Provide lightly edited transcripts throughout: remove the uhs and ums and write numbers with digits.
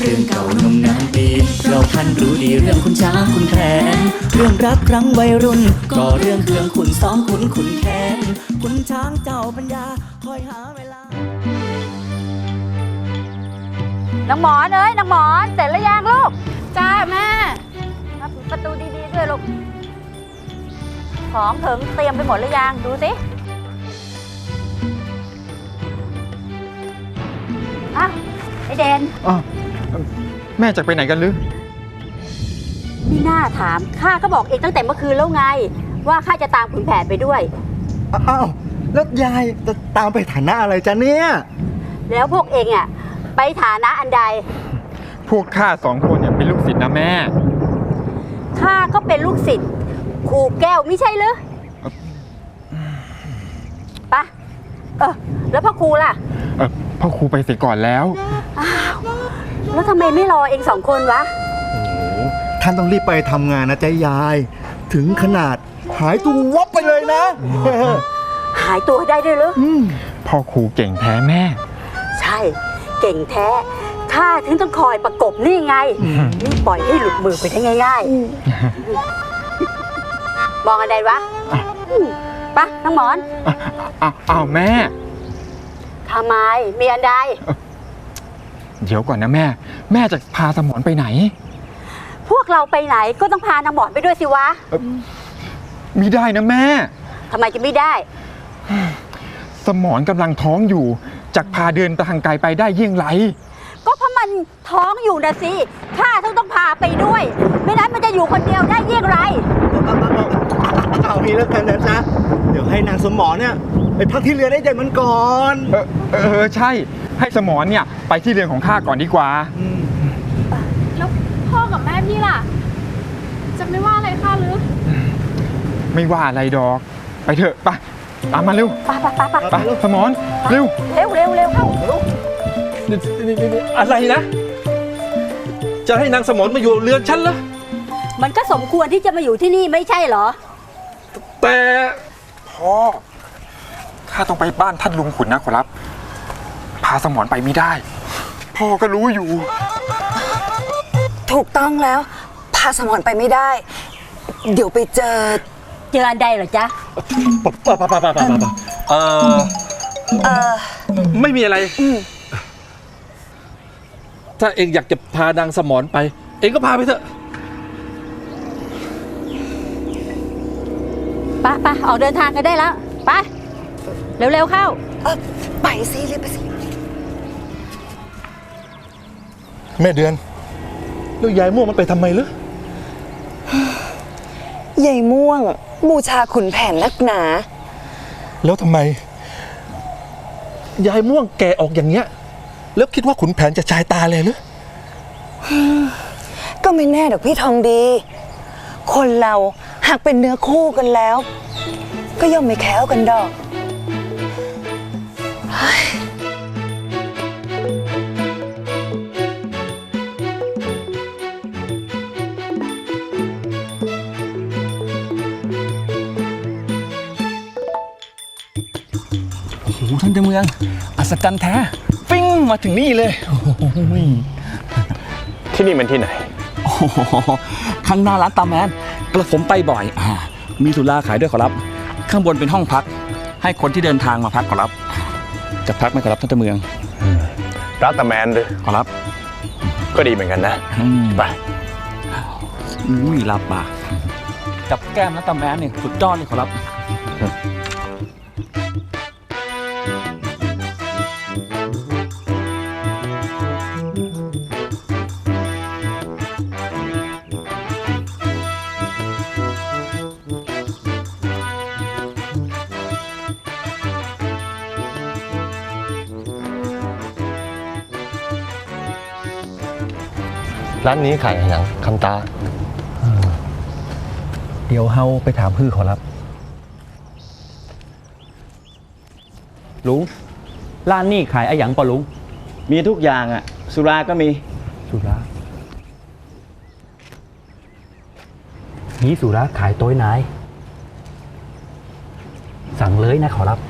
เรื่องเก่านมนานปีเราท่านรู้ดีเรื่องคุณช้างคุณแผนเรื่องรักครั้งวัยรุ่นก็เรื่องเครื่องขุนซ้อมขุนแค้นคุณช้างเจ้าปัญญาคอยหาเวลานางหมอนนางหมอนเสร็จแล้วยังลูกจ้าแม่มาปิดประตูดีๆด้วยลูกของถึงเตรียมไปหมดหรือยังดูสิอ้าวไอเดนแม่จะไปไหนกันหรือนี่น่าถามข้าก็บอกเองตั้งแต่เมื่อคืนแล้วไงว่าข้าจะตามขุนแผนไปด้วยอ้าวแล้วยายจะตามไปฐานะอะไรจ๊ะเนี่ยแล้วพวกเองอ่ะไปฐานะอันใดพวกข้า2 คนเนี่ยเป็นลูกศิษย์นะแม่ข้าก็เป็นลูกศิษย์ครูแก้วไม่ใช่หรือปะแล้วพ่อครูล่ะพ่อครูไปเสียก่อนแล้วอ้าวแล้วทำไมไม่รอเอง2 คนวะโอ้ท่านต้องรีบไปทำงานนะจ๊ะยายถึงขนาดหายตัววับไปเลยนะหายตัวได้ด้วยหรือพ่อครูเก่งแท้แม่ใช่เก่งแท้ข้าถึงต้องคอยประกบนี่ไงนี่ปล่อยให้หลุดมือไปได้ง่ายๆมองอะไรวะปะน้องหมอนอ้าวแม่ทำไมมีอันใดเดี๋ยวก่อนนะแม่จะพาสมรไปไหนพวกเราไปไหนก็ต้องพานางหมอนไปด้วยสิวะมิได้นะแม่ทำไมจะไม่ได้สมรกำลังท้องอยู่จะพาเดินทางไกลไปได้เยี่ยงไรก็เพราะมันท้องอยู่นะสิข้าต้องพาไปด้วยไม่นั้นมันจะอยู่คนเดียวได้เยี่ยงไรเอางี้แล้วกันนะจ๊ะเดี๋ยวให้นางสมรเนี่ยไปพักที่เรือนให้เด็กมันก่อนใช่ให้สมรเนี่ยไปที่เรือนของข้าก่อนดีกว่าแล้วพ่อกับแม่พี่ล่ะจะไม่ว่าอะไรข้าหรือไม่ว่าอะไรดอกไปเถอะไปตามมาเร็วไปสมรเร็วเข้าอะไรนะจะให้นางสมรมาอยู่เรือนฉันเหรอมันก็สมควรที่จะมาอยู่ที่นี่ไม่ใช่เหรอแต่พ่อข้าต้องไปบ้านท่านลุงขุนนะขอรับพาสมรไปไม่ได้พ่อก็รู้อยู่ถูกต้องแล้วพาสมรไปไม่ได้เดี๋ยวไปเจออันใดเหรอจ๊ะไม่มีอะไรถ้าเองอยากจะพานางสมรไปเองก็พาไปเถอะไปออกเดินทางกันได้แล้วไปเร็วเข้าไปสิรีบไปสิแม่เดือนแล้วยายม่วงมันไปทำไมหรือยายม่วงบูชาขุนแผนนักหนาแล้วทำไมยายม่วงแก่ออกอย่างเงี้ยแล้วคิดว่าขุนแผนจะชายตาเลยหรือก็ไม่แน่ดอกพี่ทองดีคนเราหากเป็นเนื้อคู่กันแล้วก็ย่อมไม่แค้วกันดอกโอ้โหท่านเจ้าเมืองอัศจรรย์แท้ปิ้งมาถึงนี่เลยที่นี่มันที่ไหนโอ้โหข้างหน้าร้านตาแมนกระผมไปบ่อยมีสุราขายด้วยขอรับข้างบนเป็นห้องพักให้คนที่เดินทางมาพักขอรับจะพักไหมขอรับท่านเจ้าเมืองร้านตาแมนเลยขอรับก็ดีเหมือนกันนะไปรับปากกับแก้มร้านตาแมนเนี่ยสุดยอดเลยขอรับร้านนี้ขายอะไรอย่างคำตาเดี๋ยวเฮาไปถามพื้อขอรับลุงร้านนี้ขายอะไรอย่างป่ะลุงมีทุกอย่างอ่ะสุราก็มีสุรานี่สุราขายโต๊ยนายสั่งเลยนะขอรับ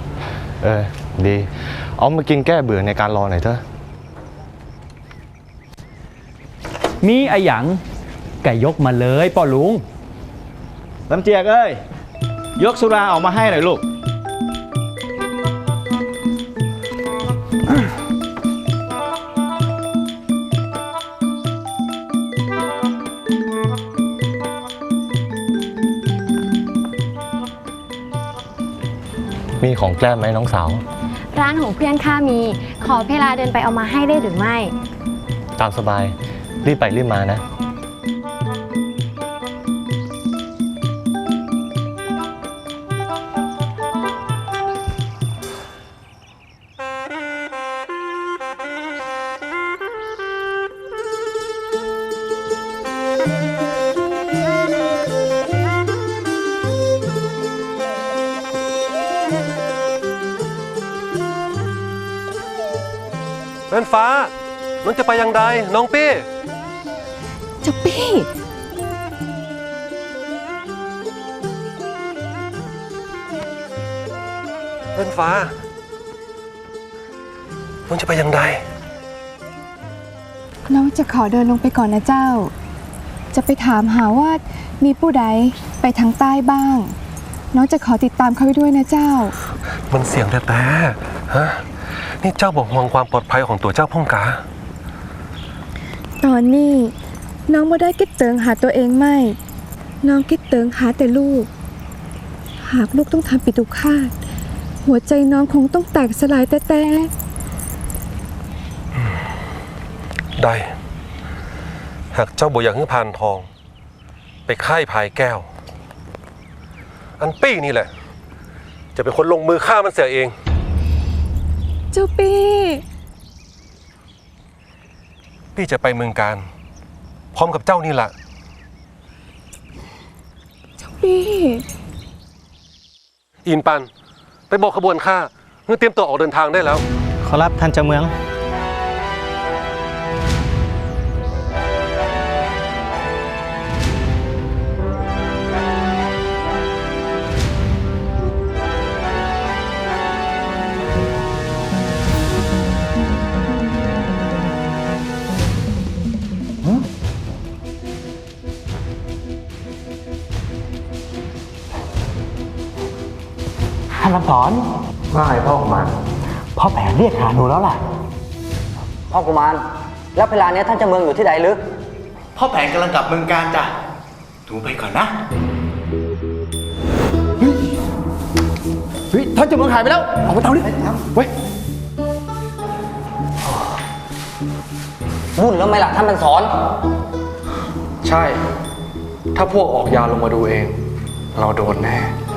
ดีเอามากินแก้เบื่อในการรอหน่อยเถอะมีไอ้หยังไก่ยกมาเลยป่อลุงลำเจียกเอ้ย ยกสุราออกมาให้หน่อยลูกมีของแกล้มไหมน้องสาวร้านของเพื่อนข้ามี ขอเวลาเดินไปเอามาให้ได้หรือไม่ตามสบาย รีบไปรีบมานะแม่นฟ้า น้องจะไปยังใดน้องปี้เจ้าปี้แม่นฟ้า น้องจะไปยังใดน้องจะขอเดินลงไปก่อนนะเจ้า จะไปถามหาว่ามีผู้ใดไปทางใต้บ้าง น้องจะขอติดตามเขาไปด้วยนะเจ้ามันเสียงแต่ฮะ นี่เจ้าบอกห่วงความปลอดภัยของตัวเจ้าพ่องกาตอนนี้น้องบ่ได้คิดเติงหาตัวเองไม่ น้องคิดเติงหาแต่ลูก หากลูกต้องทำปิตุฆาต หัวใจน้องคงต้องแตกสลายแต่ได้ หากเจ้าบ่อยากให้พานทอง ไปค่ายพายแก้ว อันปี้นี่แหละ จะเป็นคนลงมือฆ่ามันเสียเองเจ้าปี้พี่จะไปเมืองการ พร้อมกับเจ้านี่แหละเจ้าปี้อินปัน ไปบอกขบวนข้าเพื่อเตรียมตัวออกเดินทางได้แล้วขอรับท่านเจ้าเมืองท่านลำสอนว่าไงพ่อกุมารพ่อแผนเรียกหาหนูแล้วล่ะพ่อกุมาร แล้วเวลานี้ท่านเจ้าเมืองอยู่ที่ใดลึกพ่อแผนกำลังกลับเมืองการจ้ะหนูไปก่อนนะเฮ้ยท่านเจ้าเมืองหายไปแล้วออกมาเตาดิเว้ยวุ่นแล้วไหมล่ะท่านเป็นสอนใช่ ถ้าพวกออกยาลงมาดูเอง เราโดนแน่